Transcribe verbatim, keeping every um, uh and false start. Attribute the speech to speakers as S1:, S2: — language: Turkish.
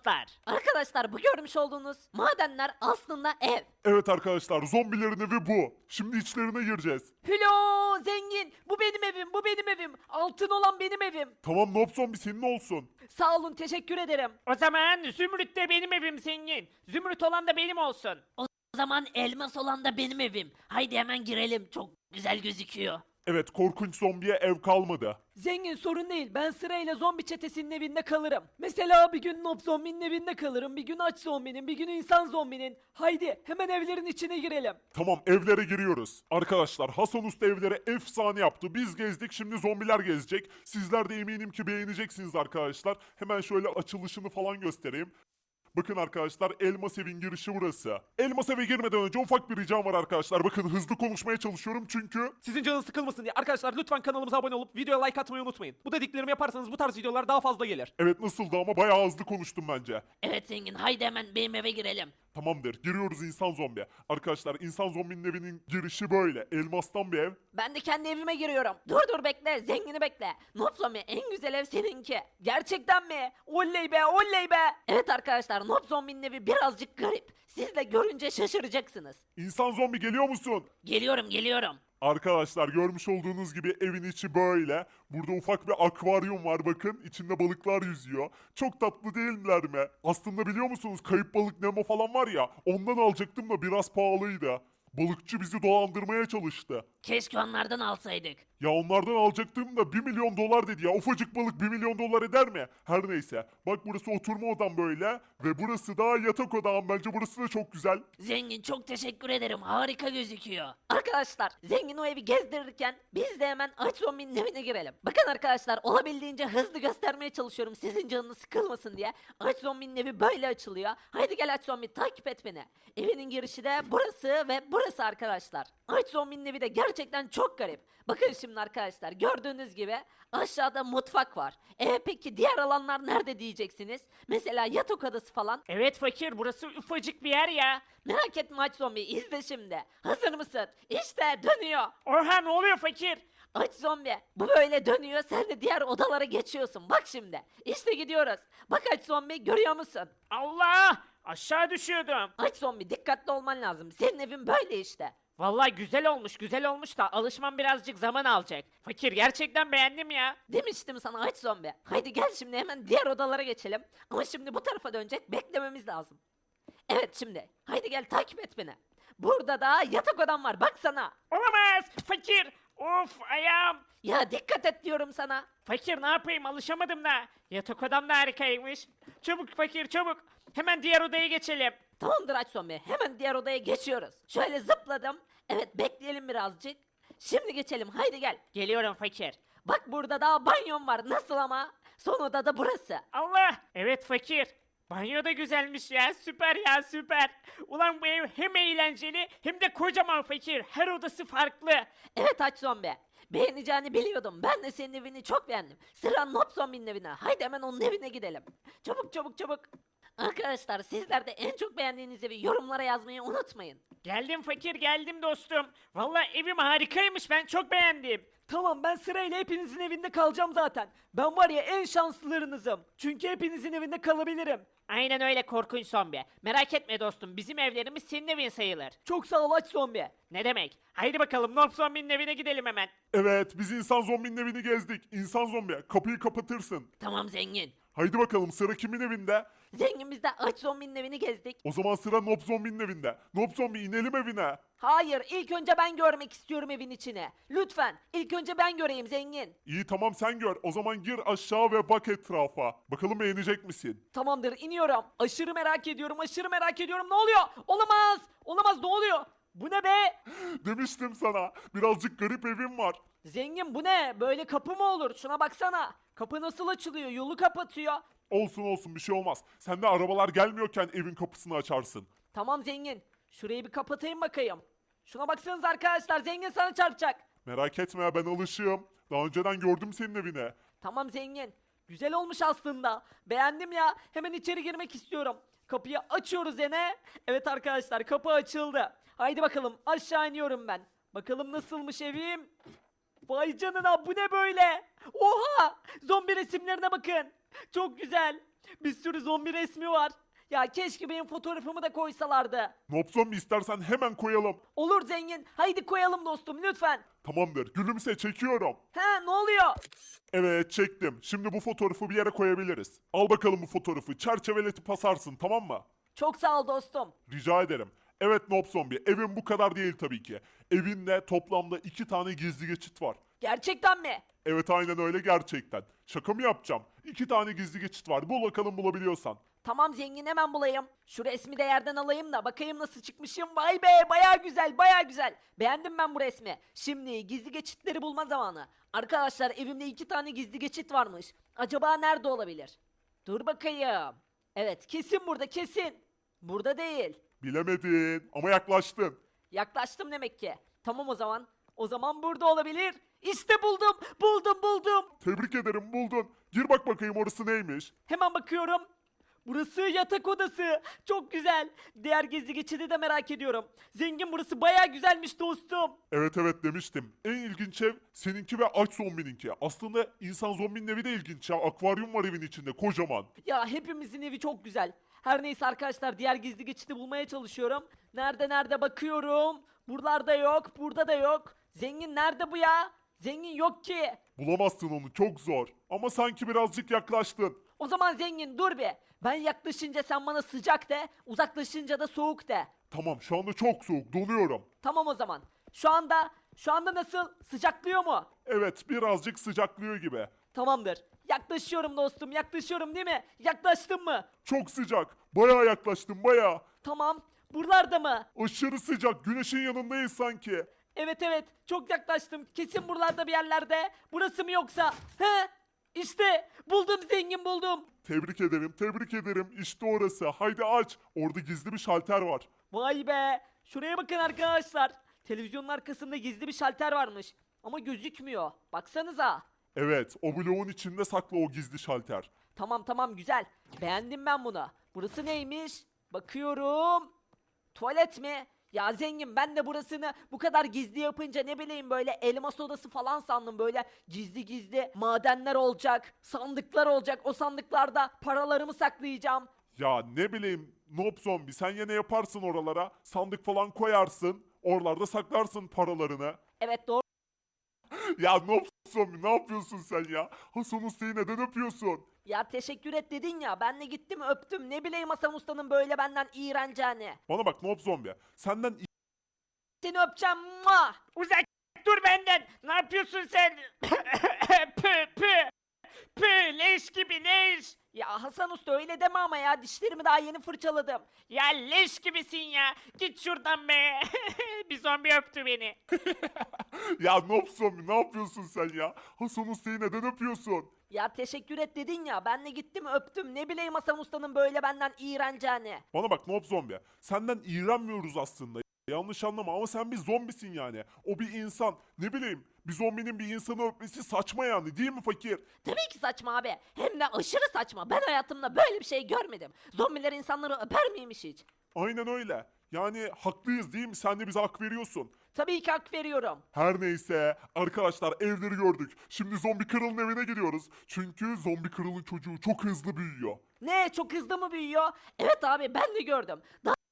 S1: elmaslar. Arkadaşlar bu görmüş olduğunuz madenler aslında ev.
S2: Evet arkadaşlar, zombilerin evi bu. Şimdi içlerine gireceğiz.
S1: Hülo zengin, bu benim evim, bu benim evim. Altın olan benim evim.
S2: Tamam, Nob Zombi senin olsun.
S1: Sağ olun, teşekkür ederim.
S3: O zaman Zümrüt de benim evim zengin. Zümrüt olan da benim olsun.
S1: O zaman elmas olan da benim evim. Haydi hemen girelim, çok güzel gözüküyor.
S2: Evet, korkunç zombiye ev kalmadı.
S1: Zengin sorun değil. Ben sırayla zombi çetesinin evinde kalırım. Mesela bir gün Nob zombinin evinde kalırım. Bir gün aç zombinin, bir gün insan zombinin. Haydi hemen evlerin içine girelim.
S2: Tamam, evlere giriyoruz. Arkadaşlar, Hasan Usta evlere efsane yaptı. Biz gezdik, şimdi zombiler gezecek. Sizler de eminim ki beğeneceksiniz arkadaşlar. Hemen şöyle açılışını falan göstereyim. Bakın arkadaşlar, Elmas Evin girişi burası. Elmas Eve girmeden önce ufak bir ricam var arkadaşlar. Bakın hızlı konuşmaya çalışıyorum çünkü...
S4: Sizin canınız sıkılmasın diye arkadaşlar lütfen kanalımıza abone olup videoya like atmayı unutmayın. Bu dediklerimi yaparsanız bu tarz videolar daha fazla gelir.
S2: Evet, nasıldı ama bayağı hızlı konuştum bence.
S1: Evet zengin, haydi hemen benim eve girelim.
S2: Tamamdır, giriyoruz insan zombi. Arkadaşlar, insan zombinin evinin girişi böyle. Elmastan bir ev.
S1: Ben de kendi evime giriyorum. Dur dur bekle, zengini bekle. Nob zombi, en güzel ev seninki. Gerçekten mi? Oley be, oley be. Evet arkadaşlar, Nob zombinin evi birazcık garip. Siz de görünce şaşıracaksınız.
S2: İnsan zombi geliyor musun?
S1: Geliyorum, geliyorum.
S2: Arkadaşlar, görmüş olduğunuz gibi evin içi böyle. Burada ufak bir akvaryum var, bakın. İçinde balıklar yüzüyor. Çok tatlı değiller mi? Aslında biliyor musunuz, kayıp balık Nemo falan var ya, ondan alacaktım da biraz pahalıydı. Balıkçı bizi dolandırmaya çalıştı.
S1: Keşke onlardan alsaydık.
S2: Ya onlardan alacaktım da bir milyon dolar dedi ya. Ufacık balık bir milyon dolar eder mi? Her neyse. Bak, burası oturma odam böyle. Ve burası da yatak odam. Bence burası da çok güzel.
S1: Zengin, çok teşekkür ederim. Harika gözüküyor. Arkadaşlar, zengin o evi gezdirirken biz de hemen aç zombinin evine girelim. Bakın arkadaşlar, olabildiğince hızlı göstermeye çalışıyorum sizin canınız sıkılmasın diye. Aç zombinin evi böyle açılıyor. Haydi gel aç zombi, takip et beni. Evinin girişi de burası ve burası arkadaşlar. Aç zombinin evi de gerçekten çok garip. Bakın şimdi arkadaşlar, gördüğünüz gibi aşağıda mutfak var. E peki diğer alanlar nerede diyeceksiniz? Mesela yatak odası falan.
S3: Evet fakir, burası ufacık bir yer ya.
S1: Merak etme aç zombi, izle şimdi. Hazır mısın? İşte dönüyor.
S3: Oha, ne oluyor fakir?
S1: Aç zombi. Bu böyle dönüyor, sen de diğer odalara geçiyorsun. Bak şimdi. İşte gidiyoruz. Bak aç zombi, görüyor musun?
S3: Allah! Aşağı düşüyordum.
S1: Aç zombi, dikkatli olman lazım. Senin evin böyle işte.
S3: Vallahi güzel olmuş, güzel olmuş da alışmam birazcık zaman alacak. Fakir, gerçekten beğendim ya.
S1: Demiştim sana aç zombi. Haydi gel şimdi hemen diğer odalara geçelim. Ama şimdi bu tarafa dönecek, beklememiz lazım. Evet şimdi. Haydi gel takip et beni. Burada da yatak odam var, baksana.
S3: Olamaz! Fakir! Of, ayağım!
S1: Ya dikkat et diyorum sana.
S3: Fakir, ne yapayım, alışamadım da. Yatak odam da harikaymış. Çabuk fakir, çabuk. Hemen diğer odaya geçelim.
S1: Tamamdır aç zombi. Hemen diğer odaya geçiyoruz. Şöyle zıpladım. Evet, bekleyelim birazcık. Şimdi geçelim. Haydi gel.
S3: Geliyorum fakir.
S1: Bak burada daha banyon var. Nasıl ama? Son oda da burası.
S3: Allah! Evet fakir. Banyo da güzelmiş ya, süper ya, süper. Ulan bu ev hem eğlenceli hem de kocaman fakir. Her odası farklı.
S1: Evet aç zombi. Beğeneceğini biliyordum. Ben de senin evini çok beğendim. Sıra Nob zombinin evine. Haydi hemen onun evine gidelim. Çabuk çabuk çabuk. Arkadaşlar, sizler de en çok beğendiğiniz evi yorumlara yazmayı unutmayın.
S3: Geldim fakir, geldim dostum. Vallahi evim harikaymış, ben çok beğendim.
S4: Tamam, ben sırayla hepinizin evinde kalacağım zaten. Ben var ya en şanslılarınızım. Çünkü hepinizin evinde kalabilirim.
S3: Aynen öyle korkunç zombi. Merak etme dostum, bizim evlerimiz senin evin sayılır.
S4: Çok sağ ol aç zombi.
S3: Ne demek? Haydi bakalım, Nob zombinin evine gidelim hemen.
S2: Evet, biz insan zombinin evini gezdik. İnsan zombi, kapıyı kapatırsın.
S1: Tamam zengin.
S2: Haydi bakalım, sıra kimin evinde?
S1: Zengin, biz de aç zombinin evini gezdik.
S2: O zaman sıra Nob Zombi'nin evinde. Nob Zombi, inelim evine.
S1: Hayır, ilk önce ben görmek istiyorum evin içine. Lütfen, ilk önce ben göreyim zengin.
S2: İyi, tamam, sen gör. O zaman gir aşağı ve bak etrafa. Bakalım beğenecek misin?
S4: Tamamdır, iniyorum. Aşırı merak ediyorum, aşırı merak ediyorum. Ne oluyor? Olamaz. Olamaz, ne oluyor? Bu ne be?
S2: Demiştim sana. Birazcık garip evim var.
S4: Zengin, bu ne? Böyle kapı mı olur? Şuna baksana. Kapı nasıl açılıyor? Yolu kapatıyor.
S2: Olsun olsun, bir şey olmaz. Sen de arabalar gelmiyorken evin kapısını açarsın.
S4: Tamam zengin. Şurayı bir kapatayım bakayım. Şuna baksanız arkadaşlar, zengin sana çarpacak.
S2: Merak etme, ben alışığım. Daha önceden gördüm senin evine.
S4: Tamam zengin. Güzel olmuş aslında. Beğendim ya. Hemen içeri girmek istiyorum. Kapıyı açıyoruz yine. Evet arkadaşlar, kapı açıldı. Haydi bakalım, aşağı iniyorum ben. Bakalım nasılmış evim. Vay canına, bu ne böyle? Oha! Zombi resimlerine bakın. Çok güzel. Bir sürü zombi resmi var. Ya keşke benim fotoğrafımı da koysalardı.
S2: Nob Zombi istersen hemen koyalım.
S4: Olur zengin. Haydi koyalım dostum lütfen.
S2: Tamamdır. Gülümse, çekiyorum.
S4: He, ne oluyor?
S2: Evet, çektim. Şimdi bu fotoğrafı bir yere koyabiliriz. Al bakalım bu fotoğrafı. Çerçeveletip asarsın, tamam mı?
S4: Çok sağ ol dostum.
S2: Rica ederim. Evet Nob Zombi, evin bu kadar değil tabii ki. Evinde toplamda iki tane gizli geçit var.
S4: Gerçekten mi?
S2: Evet, aynen öyle, gerçekten. Şaka mı yapacağım? İki tane gizli geçit var. Bul bakalım, bulabiliyorsan.
S4: Tamam zengin, hemen bulayım. Şu resmi de yerden alayım da bakayım nasıl çıkmışım. Vay be, baya güzel, baya güzel. Beğendim ben bu resmi. Şimdi gizli geçitleri bulma zamanı. Arkadaşlar, evimde iki tane gizli geçit varmış. Acaba nerede olabilir? Dur bakayım. Evet, kesin burada, kesin. Burada değil.
S2: Bilemedin ama yaklaştın.
S4: Yaklaştım demek ki. Tamam o zaman. O zaman burada olabilir. İşte buldum, buldum, buldum.
S2: Tebrik ederim, buldun. Gir bak bakayım orası neymiş.
S4: Hemen bakıyorum. Burası yatak odası. Çok güzel. Diğer gizli geçidi de merak ediyorum. Zengin, burası baya güzelmiş dostum.
S2: Evet evet demiştim. En ilginç ev seninki ve aç zombininki. Aslında insan zombinin evi de ilginç ya. Akvaryum var evin içinde kocaman.
S4: Ya hepimizin evi çok güzel. Her neyse arkadaşlar, diğer gizli geçidi bulmaya çalışıyorum. Nerede nerede bakıyorum. Buralarda yok, burada da yok. Zengin nerede bu ya? Zengin yok ki.
S2: Bulamazsın onu, çok zor. Ama sanki birazcık yaklaştın.
S4: O zaman zengin dur bir. Ben yaklaşınca sen bana sıcak de, uzaklaşınca da soğuk de.
S2: Tamam, şu anda çok soğuk, donuyorum.
S4: Tamam o zaman. Şu anda, şu anda nasıl? Sıcaklıyor mu?
S2: Evet, birazcık sıcaklıyor gibi.
S4: Tamamdır. Yaklaşıyorum dostum, yaklaşıyorum değil mi? Yaklaştın mı?
S2: Çok sıcak. Bayağı yaklaştım, bayağı.
S4: Tamam. Buralarda mı?
S2: Aşırı sıcak. Güneşin yanındayız sanki.
S4: Evet evet, çok yaklaştım. Kesin buralarda bir yerlerde. Burası mı yoksa? He? İşte buldum zengin, buldum.
S2: Tebrik ederim, tebrik ederim. İşte orası. Haydi aç. Orada gizli bir şalter var.
S4: Vay be. Şuraya bakın arkadaşlar. Televizyonun arkasında gizli bir şalter varmış. Ama gözükmüyor. Baksanıza.
S2: Evet, o bloğun içinde saklı o gizli şalter.
S4: Tamam tamam, güzel. Beğendim ben bunu. Burası neymiş? Bakıyorum. Tuvalet mi? Ya zengin, ben de burasını bu kadar gizli yapınca ne bileyim böyle elmas odası falan sandım. Böyle gizli gizli madenler olacak, sandıklar olacak. O sandıklarda paralarımı saklayacağım.
S2: Ya ne bileyim, Nob Zombi, sen yine yaparsın oralara. Sandık falan koyarsın. Oralarda saklarsın paralarını.
S4: Evet doğru.
S2: Ya Nob Zombi, ne yapıyorsun sen ya? Hasan Usta'yı neden öpüyorsun?
S4: Ya teşekkür et dedin ya, ben de gittim öptüm. Ne bileyim Hasan Usta'nın böyle benden iğreneceğini.
S2: Bana bak Nob Zombi, senden
S4: Seni öpeceğim. Mua!
S3: Uzak dur benden. Ne yapıyorsun sen? Pü pü. Pü leş gibi leş.
S4: Ya Hasan Usta öyle deme ama ya, dişlerimi daha yeni fırçaladım.
S3: Ya leş gibisin ya. Git şuradan be. Bir zombi öptü beni.
S2: Ya Nob Zombi, ne yapıyorsun sen ya? Hasan Usta'yı neden öpüyorsun?
S4: Ya teşekkür et dedin ya, ben de gittim öptüm. Ne bileyim Hasan Usta'nın böyle benden iğreneceğini.
S2: Bana bak Nob Zombi, senden iğrenmiyoruz aslında. Yanlış anlama ama sen bir zombisin yani. O bir insan. Ne bileyim, bir zombinin bir insanı öpmesi saçma yani, değil mi fakir?
S1: Tabii ki saçma abi. Hem de aşırı saçma. Ben hayatımda böyle bir şey görmedim. Zombiler insanları öper miymiş hiç?
S2: Aynen öyle. Yani haklıyız değil mi? Sen de bize hak veriyorsun.
S4: Tabii ki hak veriyorum.
S2: Her neyse arkadaşlar, evleri gördük. Şimdi Zombi Kral'ın evine gidiyoruz. Çünkü Zombi Kral'ın çocuğu çok hızlı büyüyor.
S4: Ne, çok hızlı mı büyüyor?
S1: Evet abi, ben de gördüm. Daha